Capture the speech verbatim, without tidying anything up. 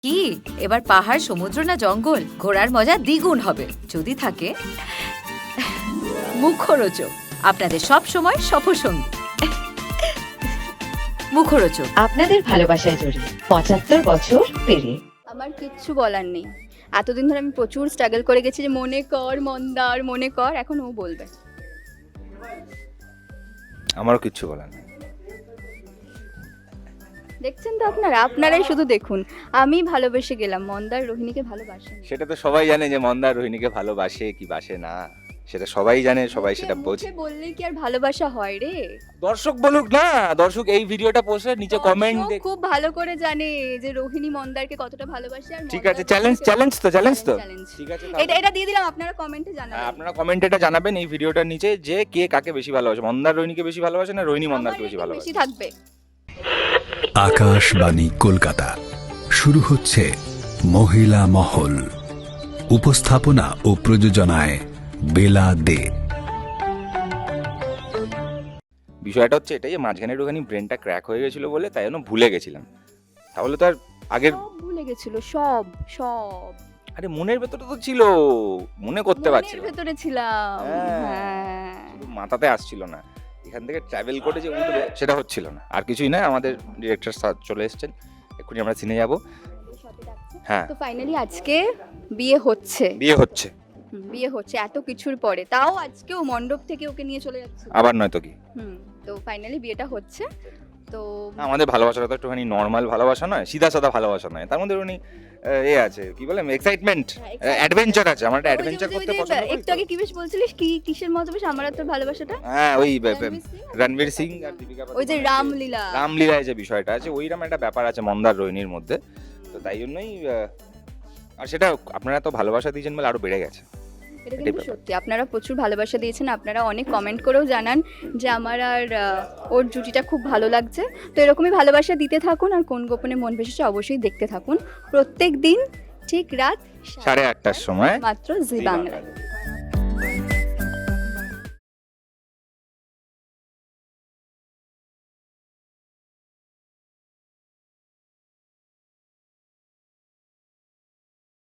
কি এবার পাহাড়, সমুদ্র না জঙ্গল, ঘোরার মজা দ্বিগুণ হবে যদি থাকে মুখরোচক, আপনাদের সব সময় সফরসঙ্গী। মুখরোচক আপনাদের ভালোবাসায় জড়িয়ে পঁচাত্তর বছর পেরিয়ে। আমার কিচ্ছু বলার নেই। এতদিন ধরে আমি প্রচুর স্ট্রাগল করে গেছি যে মনে কর মন্দার, মনে কর, এখন ও বলবে। আমারও কিচ্ছু বলার নেই। দেখছেন তো আপনারা, আপনারাই শুধু দেখুন। আমি ভালোবেসে গেলাম, মন্দার রোহিণীকে ভালোবাসেন। সেটা তো সবাই জানে যে মন্দার রোহিণীকে ভালোবাসে কি বাসে না, সেটা সবাই জানে, সবাই সেটা বোঝে। বললে কি আর ভালোবাসা হয় রে? দর্শক বলুক না, দর্শক এই ভিডিওটা পোস্টে নিচে কমেন্ট দর্শক দেখ। খুব ভালো করে জানে যে রোহিণী মন্দারকে কতটা ভালোবাসে। আর ঠিক মন্দার আছে, চ্যালেঞ্জ রোহিণীকে- চ্যালেঞ্জ তো চ্যালেঞ্জ তো চ্যালেঞ্জ। ঠিক আছে। এটা এটা দিয়ে দিলাম, আপনারা কমেন্টে হ্যাঁ, জানাবেন। আপনারা কমেন্টে এটা জানাবেন এই ভিডিওটার নিচে যে কে কাকে বেশি ভালোবাসে, মন্দার রোহিণীকে বেশি ভালোবাসে না রোহিণী মন্দারকে আমার বেশি rating ভালোবাসে। বেশি থাকবে। আকাশবাণী কলকাতা শুরু হচ্ছে মহিলা মহল। উপস্থাপনা ও প্রযোজনায় বেলা দে। বিষয়টা হচ্ছে এটাই যে মাঝখানে একটুখানি ব্রেনটা ক্র্যাক হয়ে গেছিল বলে তাই জন্য ভুলে গেছিলাম। তাহলে তো আর আগের সব ভুলে গেছিল, সব সব আরে মনের ভেতরে তো ছিল, মনে করতে মনের পারছি ভেতরে ছিলাম। হ্যাঁ। হ্যাঁ। শুধু মাথাতে আসছিল না, এখান থেকে ট্রাভেল করে যে উঠবে সেটা হচ্ছিল না। আর কিছুই না, আমাদের ডিরেক্টর স্যার চলে এসেছেন, এক্ষুনি আমরা সিনে যাব। হ্যাঁ, তো ফাইনালি আজকে বিয়ে হচ্ছে। বিয়ে হচ্ছে হুম, বিয়ে হচ্ছে এত কিছুর পরে, তাও আজকেও মণ্ডপ থেকে ওকে নিয়ে চলে যাচ্ছে। আবার নয় তো কি। হুম, তো ফাইনালি বিয়েটা হচ্ছে। তো আমাদের ভালোবাসাটা তো একটুখানি নর্মাল ভালোবাসা নয়, সিধা সাদা ভালোবাসা নয়, তার মধ্যে উনি এ আছে কি বলে এক্সাইটমেন্ট, হ্যাঁ, excitement। অ্যাডভেঞ্চার আছে। আমরা ওই যে- অ্যাডভেঞ্চার ওই যে- করতে ওই যে পছন্দ করি একটু তো। আগে কি বেশ বলছিলিস, কি কিসের মতো বেশ আমার আর তোর ভালোবাসাটা? হ্যাঁ, ওই বে- বে- রণবীর সিং? রণবীর সিং আর দীপিকা ওই যে পাডুকোনের রামলীলা। রামলীলায় যে বিষয়টা আছে, ওইরকম একটা ব্যাপার আছে মন্দার রোহিণীর মধ্যে। তো তাই জন্যই আহ, আর সেটা আপনারা তো ভালোবাসা দিয়েছেন বলে আরো বেড়ে গেছে। এটা এটাই কিন্তু ব্যাপার। সত্যি, আপনারা প্রচুর ভালোবাসা দিয়েছেন। আপনারা অনেক কমেন্ট করেও জানান যে আমার আর আহ, ওর জুটিটা খুব ভালো লাগছে। তো এরকমই ভালোবাসা দিতে থাকুন, আর কোন গোপনে মন ভেসেছে অবশ্যই দেখতে থাকুন প্রত্যেক দিন ঠিক রাত সাড়ে আটটার সময় মাত্র জি জি বাংলায়। বাংলায়।